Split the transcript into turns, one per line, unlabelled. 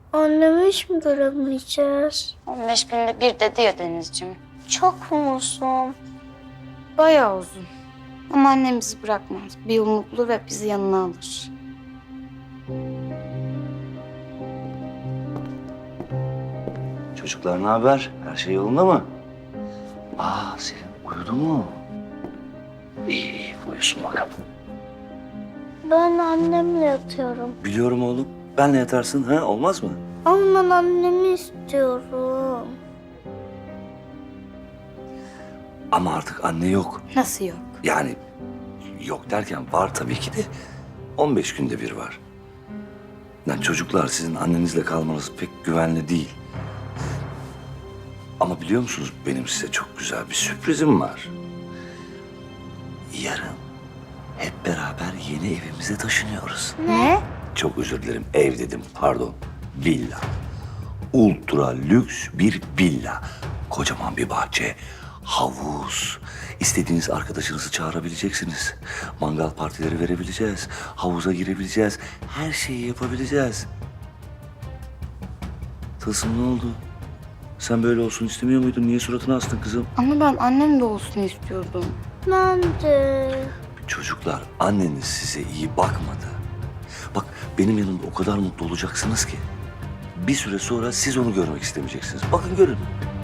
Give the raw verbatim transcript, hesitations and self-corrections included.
Annemi hiç mi göremeyeceğiz?
on beş günde bir dedi ya Denizciğim.
Çok mu uzun?
Bayağı uzun. Ama annem bizi bırakmaz. Bir yolunu bulur ve bizi yanına alır.
Çocuklar ne haber? Her şey yolunda mı? Aa Selin uyudu mu? İyi iyi uyusun bakalım.
Ben annemle yatıyorum.
Biliyorum oğlum. Benle yatarsın ha olmaz mı?
Ama ben annemi istiyorum.
Ama artık anne yok.
Nasıl yok?
Yani yok derken var tabii ki de on beş günde bir var. Yani çocuklar sizin annenizle kalmanız pek güvenli değil. Ama biliyor musunuz benim size çok güzel bir sürprizim var. Yarın hep beraber yeni evimize taşınıyoruz.
Ne?
Çok özür dilerim ev dedim pardon. Villa. Ultra lüks bir villa. Kocaman bir bahçe. Havuz. İstediğiniz arkadaşınızı çağırabileceksiniz. Mangal partileri verebileceğiz. Havuza girebileceğiz. Her şeyi yapabileceğiz. Tılsım ne oldu? Sen böyle olsun istemiyor muydun? Niye suratını astın kızım?
Ama ben annem de olsun istiyordum.
Ben de.
Çocuklar anneniz size iyi bakmadı. Bak benim yanımda o kadar mutlu olacaksınız ki. Bir süre sonra siz onu görmek istemeyeceksiniz. Bakın görün.